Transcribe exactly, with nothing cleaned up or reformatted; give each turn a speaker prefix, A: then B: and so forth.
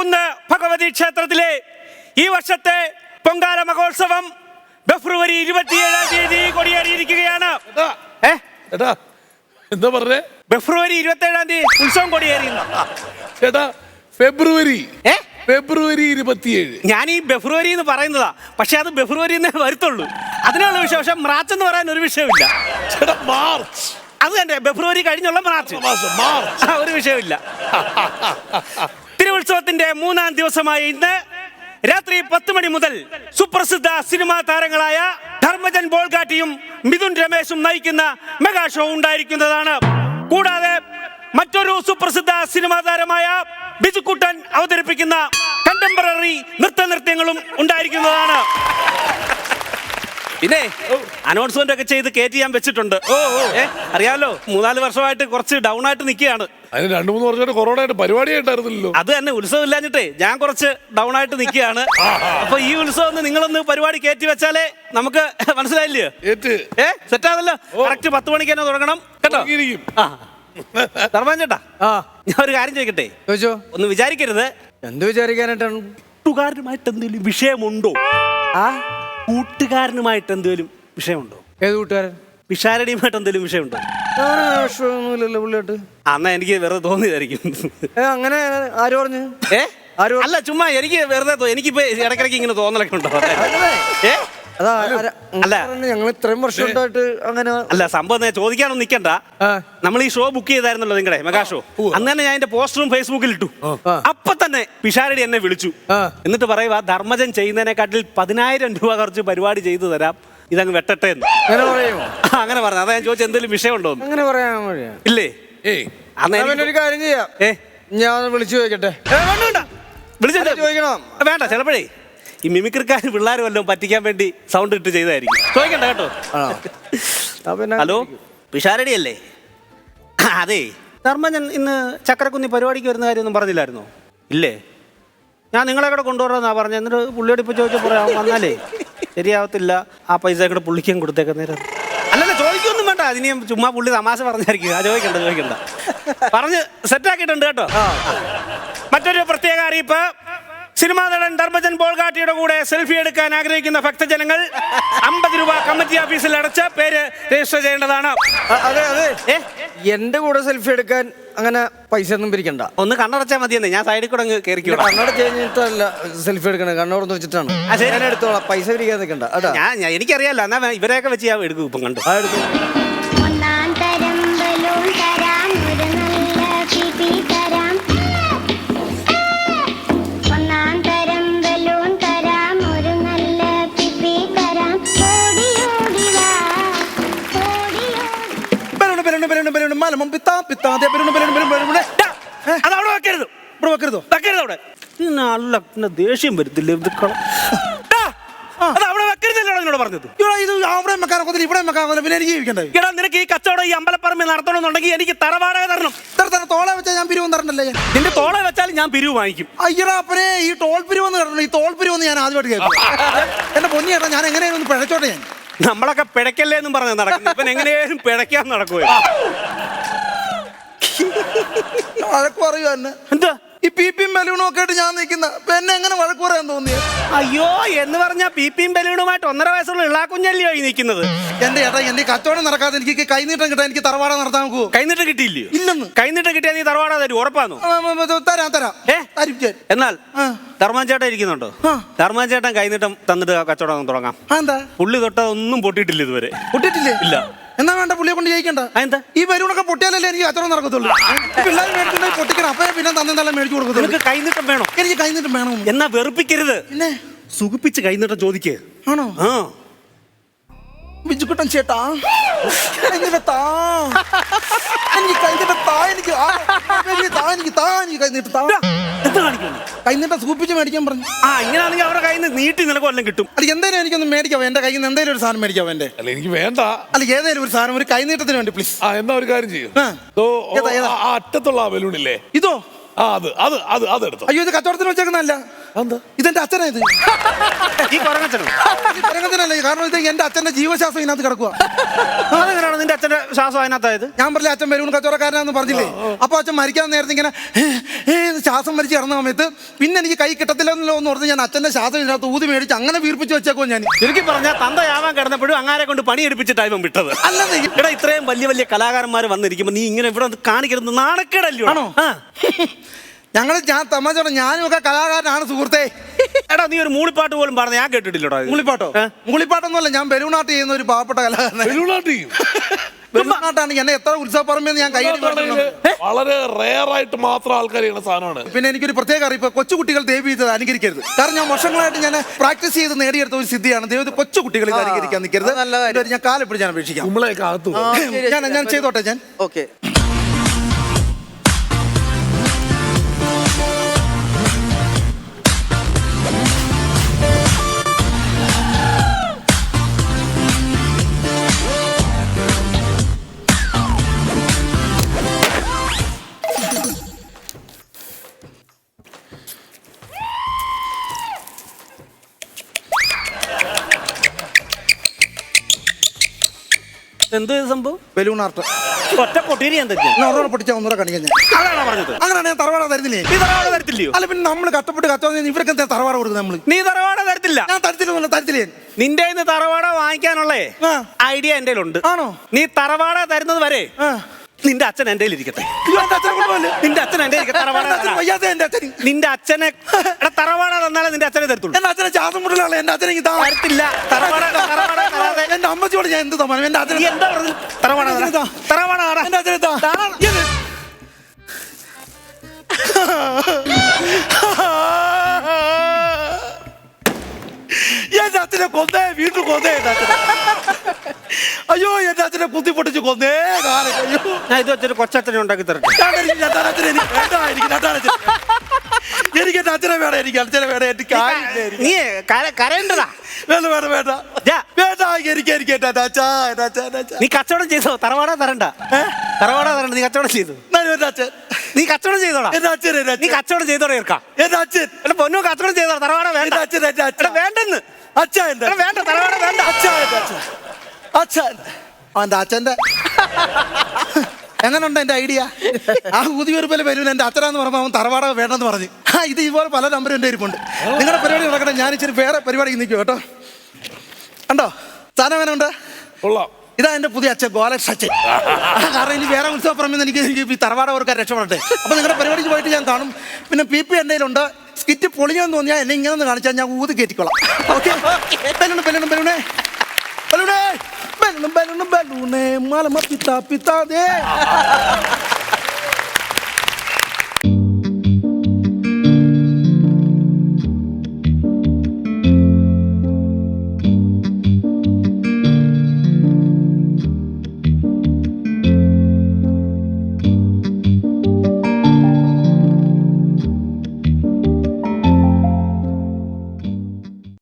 A: കുന്ന് ഭഗവതി ക്ഷേത്രത്തിലെ ഈ വർഷത്തെ പൊങ്കാല മഹോത്സവം ഫെബ്രുവരി ഇരുപത്തിയേഴാം തീയതി കൊടിയേറിയിരിക്കുകയാണ്.
B: എന്താ പറഞ്ഞേ?
A: ഫെബ്രുവരി ഇരുപത്തി ഏഴാം തീയതി ഉത്സവം കൊടിയേറിയുന്നു.
B: ചേട്ടാ ഫെബ്രുവരി ഫെബ്രുവരി ഇരുപത്തിയേഴ്.
A: ഞാൻ ഈ ഫെബ്രുവരി എന്ന് പറയുന്നതാ, പക്ഷെ അത് ഫെബ്രുവരി എന്നേ വരുത്തുള്ളൂ. അതിനുള്ള വിഷയം. പക്ഷെ മാർച്ച് എന്ന് പറയാൻ ഒരു വിഷയമില്ല.
B: ചേട്ടാ മാർച്ച്
A: അത് തന്നെ, ഫെബ്രുവരി കഴിഞ്ഞുള്ള മാർച്ച്.
B: മാർച്ച്
A: ഒരു വിഷയമില്ല. തിരുവുത്സവത്തിന്റെ മൂന്നാം ദിവസമായ ഇന്ന് രാത്രി പത്ത് മണി മുതൽ സുപ്രസിദ്ധ സിനിമാ താരങ്ങളായ ധർമ്മജൻ ബോൾഗാട്ടിയും മിഥുൻ രമേശും നയിക്കുന്ന മെഗാ ഷോ ഉണ്ടായിരിക്കുന്നതാണ്. കൂടാതെ മറ്റൊരു സുപ്രസിദ്ധ സിനിമാ താരമായ ബിജുക്കുട്ടൻ അവതരിപ്പിക്കുന്ന കണ്ടംപററി നൃത്ത നൃത്യങ്ങളും ഉണ്ടായിരിക്കുന്നതാണ്. പിന്നെ അനൗൺസ്മെന്റ് ഒക്കെ ചെയ്ത് കയറ്റി ഞാൻ വെച്ചിട്ടുണ്ട്. അറിയാലോ, മൂന്നാല് വർഷമായിട്ട് കുറച്ച് ഡൗൺ ആയിട്ട് നിൽക്കുകയാണ്.
B: അതിന് രണ്ടു മൂന്ന് വർഷമായിട്ട് കൊറോണ ആയിട്ട് പരിപാടി ആയിട്ടായിരുന്നല്ലോ.
A: അത് തന്നെ, ഉത്സവം ഇല്ലാഞ്ഞിട്ടേ ഞാൻ കുറച്ച് ഡൗൺ ആയിട്ട് നിൽക്കുകയാണ്. അപ്പൊ ഈ ഉത്സവം ഒന്ന് നിങ്ങളൊന്ന് പരിപാടി കയറ്റി വെച്ചാലേ നമുക്ക് മനസ്സിലായില്ലയോ? ഏ സെറ്റാണല്ലോ. കറക്റ്റ് പത്ത് മണിക്ക് തന്നെ തുടങ്ങണം കേട്ടോ. ധർമ്മൻ ചേട്ടാ, ഞാൻ ഒരു കാര്യം ചോദിക്കട്ടെ?
C: ചോദിച്ചോ.
A: ഒന്ന് വിചാരിക്കരുത്.
C: എന്ത് വിചാരിക്കാനായിട്ടാണ്?
A: കൂട്ടുകാരനുമായിട്ട് എന്തെങ്കിലും വിഷയമുണ്ടോ?
C: ആ
A: കൂട്ടുകാരനുമായിട്ട് എന്തെങ്കിലും വിഷയമുണ്ടോ?
C: ഏത് കൂട്ടുകാരൻ?
A: പിഷാരടിയുമായിട്ട് എന്തെങ്കിലും വിഷയമുണ്ടോ?
C: വിഷയമൊന്നുമില്ലല്ലോ പുള്ളിയായിട്ട്.
A: അന്നാ എനിക്ക് വെറുതെ തോന്നിയതായിരിക്കും.
C: അങ്ങനെ ആര് പറഞ്ഞു?
A: ഏ അല്ല, ചുമ്മാ എനിക്ക് വെറുതെ എനിക്കിപ്പോ ഇടയ്ക്കിടയ്ക്ക് ഇങ്ങനെ തോന്നലൊക്കെ ഉണ്ടോ? ഏ
C: അല്ല, ഞങ്ങൾ ഇത്രയും വർഷമായിട്ട് അങ്ങനെ
A: അല്ല. സംഭവം ചോദിക്കാനൊന്നും നിൽക്കണ്ട. നമ്മൾ ഈ ഷോ ബുക്ക് ചെയ്തായിരുന്നല്ലോ, നിങ്ങളുടെ മെഗാ ഷോ. അന്ന് തന്നെ ഞാൻ എന്റെ പോസ്റ്ററും ഫേസ്ബുക്കിൽ ഇട്ടു. അപ്പൊ തന്നെ പിഷാരടി എന്നെ വിളിച്ചു. എന്നിട്ട് പറയുക, ധർമ്മജൻ ചെയ്യുന്നതിനെക്കാട്ടിൽ പതിനായിരം രൂപ കുറച്ച് പരിപാടി ചെയ്തു തരാം, ഇതങ്ങ് വെട്ടട്ടെ എന്ന്. അങ്ങനെ പറഞ്ഞു. അതാ ഞാൻ ചോദിച്ചത്, എന്തെങ്കിലും വിഷയമുണ്ടോ?
C: അങ്ങനെ പറയാൻ
A: ഇല്ലേ?
C: ഒരു കാര്യം ചെയ്യാം, ഞാൻ വിളിച്ചു ചോദിക്കട്ടെ.
A: വിളിച്ചിട്ട് ചോദിക്കണം. വേണ്ട, ചിലപ്പോഴേ ഈ മിമിക്രിക്കാർ പിള്ളേർ വല്ലതും പറ്റിക്കാൻ വേണ്ടി സൗണ്ട് ഇട്ട് ചെയ്തായിരിക്കും. ചോദിക്കണ്ട കേട്ടോ. ഹലോ, പിഷാരടി അല്ലേ? അതെ, ധർമ്മജൻ ഇന്ന് ചക്കരക്കുന്നി പരിപാടിക്ക് വരുന്ന കാര്യമൊന്നും പറഞ്ഞില്ലായിരുന്നോ? ഇല്ലേ? ഞാൻ നിങ്ങളെ കൂടെ കൊണ്ടുവരാമെന്നാ പറഞ്ഞത്. എന്നിട്ട് പുള്ളിയോട് ഇപ്പോൾ ചോദിച്ചപ്പോൾ പറയാം, വന്നാലേ ശരിയാവത്തില്ല, ആ പൈസ കൂടെ പുള്ളിക്കും കൊടുത്തേക്കാൻ നേരം. അല്ലല്ല, ചോദിക്കൊന്നും വേണ്ട. അതിന് ചുമ്മാ പുള്ളി തമാശ പറഞ്ഞായിരിക്കും. ആ ചോദിക്കണ്ട ചോദിക്കണ്ട പറഞ്ഞ് സെറ്റാക്കിയിട്ടുണ്ട് കേട്ടോ. മറ്റൊരു പ്രത്യേക അറിയിപ്പ്. സിനിമാ നടൻ ധർമ്മജൻ ബോൾഗാട്ടിയുടെ കൂടെ സെൽഫി എടുക്കാൻ ആഗ്രഹിക്കുന്ന ഭക്തജനങ്ങൾ അമ്പത് രൂപ കമ്മിറ്റി ഓഫീസിൽ അടച്ച് പേര് രജിസ്റ്റർ ചെയ്യേണ്ടതാണ്.
C: അതെ അതെ, എന്റെ കൂടെ സെൽഫി എടുക്കാൻ അങ്ങനെ പൈസ ഒന്നും പിരിക്കണ്ട.
A: ഒന്ന് കണ്ണടച്ചാൽ മതിയെന്നേ, ഞാൻ സൈഡിൽ കൂടെ അങ്ങ് കയറിക്കോ.
C: കണ്ണടച്ച് കഴിഞ്ഞിട്ടല്ല സെൽഫി എടുക്കണേ, കണ്ണോടൊന്ന് വെച്ചിട്ടാണ്. ഞാൻ എടുത്തോളാം, പൈസ പിരിക്കാൻ നിൽക്കണ്ട. അതാ
A: ഞാൻ എനിക്കറിയാലോ. എന്നാ ഇവരെയൊക്കെ വെച്ച് ഞാൻ എടുക്കും. ഇപ്പം കണ്ടു.
C: ആ എടുത്തു.
A: അതവിടെ വെക്കരുത്. ഇവിടെ വെക്കരുതോ? വെക്കരുത് അവിടെ. നല്ല പിന്നെ ദേഷ്യം വരത്തില്ലേ? അത് അവിടെ വെക്കരുതല്ലോ എന്നോട് പറഞ്ഞത്.
C: ഇത് അവിടെ വെക്കാൻ ഒക്കത്തില്ല, ഇവിടെ വെക്കാൻ ഒക്കത്തില്ല. പിന്നെ എനിക്ക് ജീവിക്കണ്ടേ?
A: എടാ, നിനക്ക് ഈ കച്ചവടം ഈ അമ്പലപ്പറമ്പിൽ നടത്തണമെന്നുണ്ടെങ്കിൽ എനിക്ക് തറവാടക തരണം.
C: ഇത്ര തന്നെ തോള വെച്ചാൽ ഞാൻ പിരിവ് തരണ്ടല്ലേ?
A: നിന്റെ തോള വെച്ചാൽ ഞാൻ പിരിവ് വാങ്ങിക്കും.
C: അയ്യടാ അപ്പനെ, ഈ ടോൾ പിരിവെന്ന് കണ്ടോ? ഈ ടോൾ പിരിവെന്ന് ഞാൻ ആദ്യമായിട്ട് കേൾക്കും. എന്റെ പൊന്നി ചേട്ടാ, ഞാൻ എങ്ങനെയാണ് ഒന്ന് പിഴച്ചോട്ടെ? ഞാൻ
A: നമ്മളൊക്കെ പിഴക്കല്ലേ എന്നും പറഞ്ഞ് നടക്കുന്നു. ഇവൻ എങ്ങനെയാലും പിഴയ്ക്കാൻ നടക്കുവോ?
C: വഴക്ക് പറയുക തന്നെ.
A: എന്താ
C: ഈ പി പിയും ബലൂണും ഒക്കെ ആയിട്ട് ഞാൻ നിൽക്കുന്ന എന്നെ എങ്ങനെ വഴക്ക് പറയാൻ തോന്നിയത്?
A: അയ്യോ, എന്ന് പറഞ്ഞാൽ പി പിയും ബലൂണുമായിട്ട് ഒന്നര വയസ്സുള്ള ഇളാക്കുഞ്ഞല്ലോ ഈ നിൽക്കുന്നത്.
C: എന്റെ ചേട്ടാ, എന്റെ കച്ചവടം നടക്കാതെ എനിക്ക് കൈനീട്ടം കിട്ടാൻ എനിക്ക് തറവാട നടത്താൻ നോക്കുവോ?
A: കൈനീട്ടം കിട്ടിയില്ലയോ?
C: ഇല്ലെന്ന്.
A: കൈനീട്ടം കിട്ടിയാൽ നീ തറവാട തരും, ഉറപ്പാന്നോ?
C: തരാം തരാം.
A: ഏ എന്നാൽ ധർമ്മൻ ചേട്ടൻ ഇരിക്കുന്നുണ്ടോ? ധർമ്മൻ ചേട്ടൻ കൈനീട്ടം തന്നിട്ട് കച്ചവടം തുടങ്ങാം.
C: എന്താ
A: പുള്ളി തൊട്ടതൊന്നും പൊട്ടിയിട്ടില്ല ഇതുവരെ.
C: പൊട്ടിയിട്ടില്ലേ?
A: ഇല്ല.
C: എന്നാ വേണ്ട, പുള്ളിയെ കൊണ്ട് ജയിക്കണ്ട.
A: എന്താ
C: ഈ ബലൂണൊക്കെ പൊട്ടിയാലല്ലേ എനിക്ക് കച്ചവടം നടക്കത്തുള്ളൂ. പിള്ളേർ മേടിച്ചിട്ടുണ്ടെങ്കിൽ പൊട്ടിക്കണം, അപ്പൊ പിന്നെ തന്നെ മേടിച്ചു കൊടുക്കത്തുള്ളൂ.
A: നിനക്ക് കൈനീട്ടം വേണോ?
C: എനിക്ക് കൈനീട്ടം വേണം.
A: എന്നാ വെറുപ്പിക്കരുത്,
C: പിന്നെ
A: സുഖിപ്പിച്ച് കൈനീട്ടം ചോദിക്കേ.
C: ആണോ?
A: ആ
C: ബിജുക്കുട്ടൻ ചേട്ടാ, എനിക്ക് താ എനിക്ക് കൈനീട്ടം താ എനിക്ക് താ എനിക്ക് താ എനിക്ക് കൈനീട്ടം താ.
A: എന്താ കാണിക്കുന്നു?
C: കൈനീട്ടം സൂപ്പിച്ച് മേടിക്കാൻ പറഞ്ഞു.
A: ആ ഇങ്ങനെയാണെങ്കിൽ അവരുടെ കയ്യിൽ നിന്ന് നീട്ടി നിനക്ക് വല്ലതും കിട്ടും.
C: അല്ല, എന്തായാലും എനിക്കൊന്ന് മേടിക്കാവോ? എന്റെ കയ്യിൽ നിന്ന് എന്തെങ്കിലും ഒരു സാധനം മേടിക്കാവോ? എന്റെ
B: അല്ല, എനിക്ക് വേണ്ട.
C: അല്ല, ഏതെങ്കിലും ഒരു സാധനം, ഒരു കൈനീട്ടത്തിന് വേണ്ടി പ്ലീസ്.
B: ആ എന്നാ ഒരു കാര്യം ചെയ്യും. അറ്റത്തുള്ള ആ ബലൂണില്ലേ,
C: ഇതോ?
B: ആ അത് അത് അത് അതെടുത്തു.
C: അയ്യോ, ഇത് കച്ചവടത്തിന് വെച്ചേക്കുന്നല്ല. ഇതെന്റെ അച്ഛനാ. ഇത്
A: ഈ കൊരങ്ങച്ചനോ?
C: കൊരങ്ങച്ചനല്ലേ? കാരണം ഇത് എന്റെ അച്ഛന്റെ ജീവശാസ്ത്രം ഇതിനകത്ത് കിടക്കുക.
A: അതെങ്ങനെയാണ് നിന്റെ അച്ഛന്റെ ശ്വാസം അതിനകത്തായത്?
C: ഞാൻ പറഞ്ഞില്ല, അച്ഛൻ ബലൂൺ കച്ചവടക്കാരനാന്ന് പറഞ്ഞില്ലേ? അപ്പൊ അച്ഛൻ മരിക്കാൻ നേരത്തെ ഇങ്ങനെ ശ്വാസം വലിച്ച് കിടന്ന സമയത്ത് പിന്നെ എനിക്ക് കൈ കിട്ടത്തില്ലെന്നല്ലോ എന്ന് ഓർത്ത് ഞാൻ അച്ഛന്റെ ശ്വാസം ഇതിനകത്ത് ഊതി മേടിച്ച് അങ്ങനെ വീർപ്പിച്ച് വെച്ചേക്കോ ഞാൻ.
A: ചുരുക്കി പറഞ്ഞാൽ തന്തയാവാൻ കിടന്നപ്പോഴും അങ്ങാരെ കൊണ്ട് പണിയെടുപ്പിച്ചിട്ടാണ് ഇവൻ വിട്ടത്.
C: അല്ലെന്നേ
A: എടാ, ഇത്രയും വലിയ വലിയ കലാകാരന്മാർ വന്നിരിക്കുമ്പോ നീ ഇങ്ങനെ ഇവിടെ കാണിക്കരുത്, നാണക്കേടല്ലോ.
C: ആണോ? ഞങ്ങൾ ഞാൻ തമാശ പറഞ്ഞ ഞാനും ഒക്കെ കലാകാരനാണ് സുഹൃത്തെ.
A: എടാ, നീ ഒരു മൂളിപ്പാട്ട് പോലും പറഞ്ഞ ഞാൻ കേട്ടിട്ടില്ലടാ.
C: മൂളിപ്പാട്ടോ? മൂളിപ്പാട്ടൊന്നുമല്ല, ഞാൻ ബലൂണാട്ട് ചെയ്യുന്ന ഒരു പാവപ്പെട്ട കലാകാരനാണ്. ബലൂണാട്ടാണ് എന്നെ എത്ര ഉത്സവപ്പറമ്പെന്ന് ഞാൻ കൈ
B: വളരെ റെയർ ആയിട്ട് മാത്രം ആൾക്കാർ ചെയ്യുന്ന സാധനമാണ്.
C: പിന്നെ എനിക്കൊരു പ്രത്യേക അറിയിപ്പ്, കൊച്ചുകുട്ടികൾ ദയവ് ചെയ്ത് അനുകരിക്കരുത്. കാരണം ഞാൻ വർഷങ്ങളായിട്ട് ഞാൻ പ്രാക്ടീസ് ചെയ്ത് നേടിയെടുത്ത ഒരു സിദ്ധിയാണ്. ദൈവം കൊച്ചുകുട്ടികൾ ഇത് അനുകരിക്കാൻ നിൽക്കരുത്. ഞാൻ കാലെപ്പോഴും ഞാൻ അപേക്ഷിക്കാം. ഞാൻ ഞാൻ ചെയ്തോട്ടെ ഞാൻ.
D: ഓക്കെ.
A: എന്ത് സംഭവം?
C: Balloon art.
A: ഒറ്റ പൊട്ടീരി എന്തൊക്കെ
C: ഒന്നൂടെ പൊട്ടിച്ചാ ഒന്നൂടെ കാണിക്കാൻ ഞാൻ.
A: അതാണോ പറഞ്ഞത്?
C: അങ്ങനെയാണ് ഞാൻ തറവാട തരുന്നില്ലേ?
A: നീ തറവാട തരത്തില്ലയോ?
C: അല്ല പിന്നെ നമ്മൾ കഷ്ടപ്പെട്ട് കച്ചവടം ഇവർക്ക് എന്താ തറവാട കൊടുക്കുന്നത് നമ്മള്?
A: നീ തറവാട തരത്തില്ല.
C: ഞാൻ തരത്തില്ല തരത്തില്ലേ.
A: നിന്റെ തറവാട വാങ്ങിക്കാനുള്ളേ ഐഡിയ എന്റെ ഉണ്ട്.
C: ആണോ?
A: നീ തറവാട തരുന്നത് വരെ നിന്റെ അച്ഛൻ എന്റെ ഇരിക്കട്ടെ. നിന്റെ അച്ഛൻ എന്റെ നിന്റെ അച്ഛനെ തറവാട തന്നാലേ നിന്റെ അച്ഛനെ തരത്തുള്ളൂ.
C: എന്റെ അച്ഛനെ ചാസം മുടലാണ്. എന്റെ അച്ഛനെ
A: തരത്തില്ല. തറവാട
C: എന്റെ അമ്മച്ചോട് ഞാൻ എന്ത് തമാനം. എന്റെ അച്ഛനെ
A: എന്താ പറഞ്ഞത്? തറവാട തറവാട
C: എന്റെ അച്ഛനെ എന്റെ അച്ഛനെ കൊന്നേ, വീണ്ടും കൊന്നേ എന്റെ അച്ഛനെ. അയ്യോ എന്റെ അച്ഛനെ കുത്തി പൊട്ടിച്ച് കൊന്നേ കാലം. അയ്യോ
A: ഞാൻ ഇത് വെച്ചൊരു കൊച്ചച്ഛനെ ഉണ്ടാക്കി തരട്ടെ.
C: എനിക്ക് എന്റെ അച്ഛനെ വേണം. എനിക്ക് അച്ഛനെ വേണം. എനിക്ക്
A: നീ കരയേണ്ടതാ.
C: വേണ്ട വേണ്ട വേണ്ട വേണ്ട എനിക്ക് എനിക്ക് എന്റെ അച്ഛാ എന്റെ അച്ഛാ എന്റെ അച്ഛാ.
A: നീ കച്ചവടം ചെയ്തോ? തറവാട തരണ്ട. തറവാട തരണ്ട. നീ കച്ചവടം ചെയ്തു.
C: എന്റെ അച്ഛൻ
A: നീ കച്ചവടം ചെയ്തോടാ.
C: എന്റെ അച്ഛൻ
A: നീ കച്ചവടം ചെയ്തോടെ ഇറക്കാം.
C: എന്റെ അച്ഛൻ
A: എന്റെ പൊന്നു കച്ചവടം ചെയ്തോ. തറവാട വേണ്ട.
C: അച്ഛൻ എന്റെ അച്ഛൻ
A: വേണ്ടെന്ന്.
C: അച്ഛാ എന്റെ
A: വേണ്ട. തറവാട വേണ്ട.
C: അച്ഛാ എന്റെ അച്ഛൻ അച്ഛൻ എന്റെ അച്ഛന്റെ എങ്ങനെയുണ്ട് എന്റെ ഐഡിയ? ആ ഊതിയൊരുപോലെ വരും. എന്റെ അച്ഛനാന്ന് പറഞ്ഞപ്പോൾ അവൻ തറവാട വേണ്ടെന്ന് പറഞ്ഞു. ആ ഇത് ഇതുപോലെ പല നമ്പരും എൻ്റെ ഇരിപ്പുണ്ട്. നിങ്ങളുടെ പരിപാടി നടക്കട്ടെ. ഞാൻ ഇച്ചിരി വേറെ പരിപാടിക്ക് നിൽക്കും കേട്ടോ. കണ്ടോ സാധനം എങ്ങനെയുണ്ട്? ഇതാ എന്റെ പുതിയ അച്ഛൻ ഗോലക്ഷ അച്ഛൻ. കാരണം ഇനി വേറെ ഉത്സവപ്പറമ്പിൽ നിന്ന് എനിക്ക് എനിക്ക് ഈ തറവാട ഓർക്കാൻ രക്ഷപ്പെടട്ടെ. അപ്പൊ നിങ്ങളുടെ പരിപാടിക്ക് പോയിട്ട് ഞാൻ കാണും. പിന്നെ പി പി എൻ്റെ കയ്യിലുണ്ട്. സ്കിറ്റ് പൊളിഞ്ഞെന്ന് തോന്നിയാൽ എന്നെ ഇങ്ങനെ ഒന്ന് കാണിച്ചാൽ ഞാൻ ഊതി കയറ്റിക്കോളാം. ഓക്കെ. ബലൂണ് ബലൂണ് ബലൂണേ ബലൂണേ ബലൂണ് ബലൂണ് ബലൂണേ മാലമ പിത്താ പിത്താ ദേ